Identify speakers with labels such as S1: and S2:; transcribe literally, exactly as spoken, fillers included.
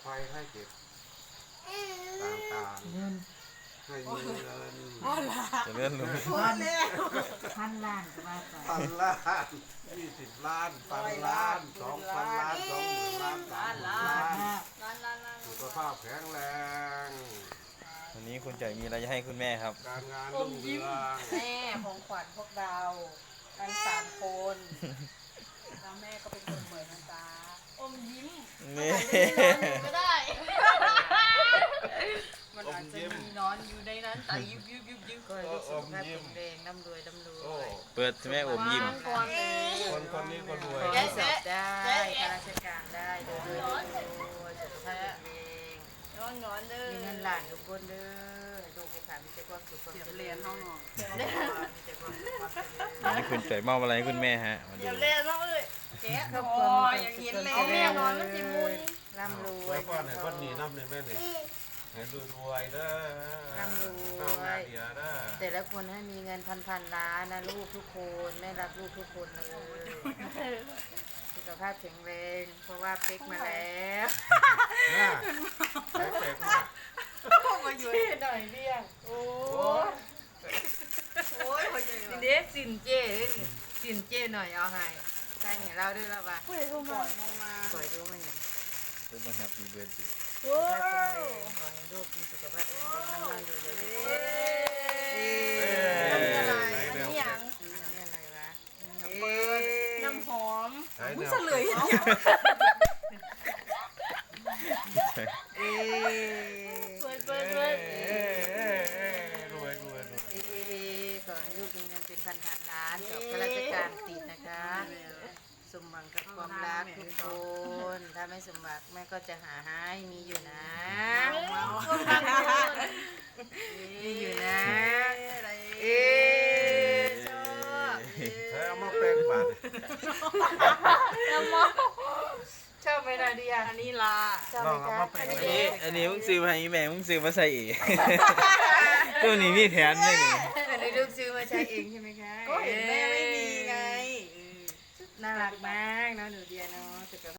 S1: ภัยให้เจ็บต่างๆ
S2: เงิน
S1: ให้มีเงิน
S3: จะเลื่อนลง
S2: พันพันล้านก็ว่าไป
S1: พันล้านยี่สิบล้านพันล้านสองพันล้านสองหมื่นล้านสามหมื่นล้าน
S4: ล้านล้านล้าน
S1: สุขภาพแข็งแรง
S3: วันนี้คุณจ่อยมีอะไรจะให้คุณแม่ครับ
S1: การงานรุ่งเรือง
S4: แม่ของขวัญพวกเราทั้งสามคนแล้วแม่ก็เป็นคนเหมือนนะจ๊ะอมยิ้ม
S3: นี่
S4: ก็ได้ มันอาจจะมีนอนอยู่ในนั้นแต่ยุบยุบยุบยุบ
S2: ก็ให้สุขภาพแข็งแรงร่ำรวยร่ำรว
S1: โอ้
S2: ย
S3: เปิดแม่อมยิ้ม
S4: ก่อนเลย
S1: คนคนนี้ก็รวย
S2: ขอให้สอบได้ข้าราชการได้โดยรวยสุขภาพแข็งแรง
S4: นอนนอนเด้อ
S2: มีเงินหลานทุกคนเด้อลูกผู้ขามีแต่ความสุขความ
S4: เดี๋ยว
S2: เจริญ
S4: เรียนห้องนอน
S2: มีแต่ความสุขความเจริญ
S3: วันนี้คุณจ่อยมอบอะไรให้คุณแม่ฮะมาดู
S4: เดี๋ยวเรียนห้องเลยแกะ
S2: ครอบ
S4: โอ้
S2: ครัวย
S4: อย่าง
S2: มี
S4: นี้
S2: แต่
S4: เลย
S2: ความสุข
S4: แม่นอนมันสิมุน
S2: ร่ำรว
S1: ไว้
S2: ย
S1: ป้อนให้คนหนีน้ำในแม่นี่ให้รวยรวยเด้อเข้ามาเดียวเด้อ
S2: แต่ละคนให้มีเงินพันพันล้านนะลูกทุกคนแม่รักลูกทุกคนเลยสุขภาพแข็งแรงเพราะว่าเป๊กมาแล้ว
S1: น่าแปลกๆมาก
S4: มาอยู่
S2: เจ้หน่อยเรียงโอ้
S1: โอ้ย
S4: โอ้ยคนใหญ่
S2: สิเด็กสินเจ้เด้อนี่สินเจ้หน่อยเอาให้ใส่ให้เราด้วยแล้วป่ะ
S4: ผู้ใหญ่โทรมาโทรมา
S2: สวยดูมันอย่าง
S3: ซุปเปอร์แฮปปี้เบิร์ดเดย์
S4: โอ้
S2: สุขภาพแข็งแรงขอให้ลูกมีสุขภาพแข็งแรงน้ำมันอยู่เลย
S4: เอ๊ะ
S2: เอ๊
S4: อันนี้
S2: ะ
S4: อะไรอันนี้หยัง
S2: อันนี้อะไรวะ
S4: น้ำเปิดน้ำหอม
S1: ใช้แนว
S4: เฉลยเห็นยัง
S2: เอ๊ะ
S4: เปิดเปิดเปิด
S1: เอ้ยเอ้ยเอ้ยรวยรวยรวย
S2: เอ๊ะเอ๊ะเอ๊ะขอให้ลูกมีเงินเป็นพันพันล้านสอบข้าราชการติดนะคะ สมหวังกับความรักทุกคน ถ้าไม่สมหวังแม่ก็จะหาให้มีอยู่นะ มีอยู่นะ เอ๊ะชอบ
S1: ใช้เอามาแปลงบาท
S4: น้ำมอ
S2: ชอบไหมนาเดีย
S4: อันนี้ลา
S2: ชอบไหมคะ
S3: อันนี้อันนี้มึงซื้อมาให้แม่มึงซื้อมาใส่เองตัวนี้มีแถมด้วยนี่
S2: อันนี้ลูกซื้อมาใช้เองใช่ไหมคะ
S4: ก็เห็นแม่ไม่มีไง
S2: น่ารักมากเนาะหนูเดียเนาะสุขภาพ